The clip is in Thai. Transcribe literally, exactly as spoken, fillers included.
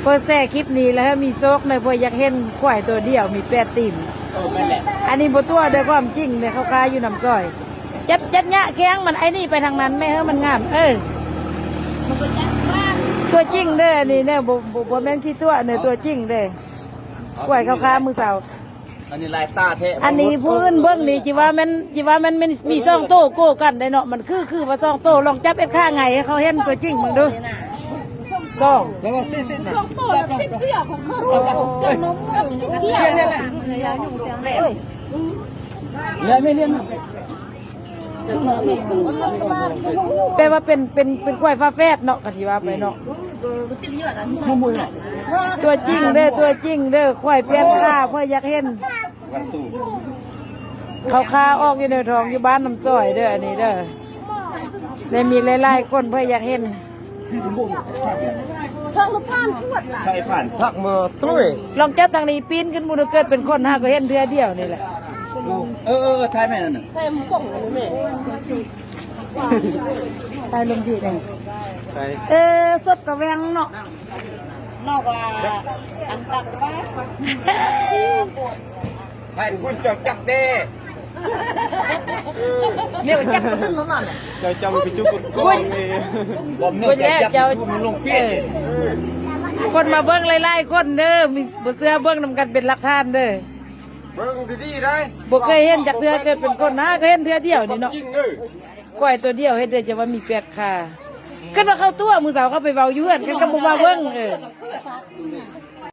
อแซ่คลิปนี้แล้วมีโซกในพออยากเห็นควายตัวเดียวมีแปดติ่มอันนี้บตัวด้วยความจริงเนี่ยเขาคาอยู่น้ำซอยจับจับเนี้ยแข้งมันไอ้นี่ไปทางนั้นไม่เฮ้มันงามเออตัวจริงเด้อนี่เนี่ยบ่บ่บ่แม่นที่ตัวเนี่ยตัวจริงเด้อควายเขาคามือเสาอันนี้ลายตาเทอันนี้พื้นเบื้องนี่จีว่ามันจีว่ามันมันมีซ่องโต้โก้กันได้เนาะมันคือคือว่าซ่องโต้ลองจับเอ็ดข้าไงให้เขาเห็นตัวจริงมึงดูซ่องซ่องโต้แล้วติดเตี้ยของเขากับนมเตี้ยเนี่ยแหละเลยไม่เลี้ยงแปลว่าเป็นเป็นเป็นควายฟ้าแฝดเนาะกะทิว่าไปเนาะตัวจริงเด้อตัวจริงเด้อควายเปลี่ยนข้าเพื่ออยากเห็นเขาคาออกอยู่ในท้องอยู่บ้านน้ำซอยเด้ออันนี้เด้อเลยมีหลายๆคนเพื่ออยากเห็นช่างลูกผ่านสวดใช่ผ่านทักมือตุ้ยลองจับทางนี้ปีนขึ้นมูลเกิดเป็นคนห้าก็เห็นเทือเดียวนี่แหละเออเออทายแม่นั่นน่ะทายหมูป่องแม่ตายลงที่ไหนเออสดกระแวงเนาะนอกว่าอันตักบ้าแผ่นคุณจับจับเด้เนี่ยจับตึ้งเขาหน่อยเจ้าจำไปจุกกองเลยผมเนี่ยจะจับคุณลงเฟี้ยคนมาเบิ้งไล่ๆคนเด้อมีบุเสือเบิ้งนำกันเป็นหลักฐานเด้อเบิ้งดีๆได้บุเคยเห็นจากเทือเกิดเป็นคนนะเคยเห็นเทือเดียวนี่เนาะก้อยตัวเดียวเห็นเด้อจะว่ามีแปดขาก็มาเข้าตัวมือสาวเข้าไปเบาเยื่อนกันก็มาเบิ้งเออ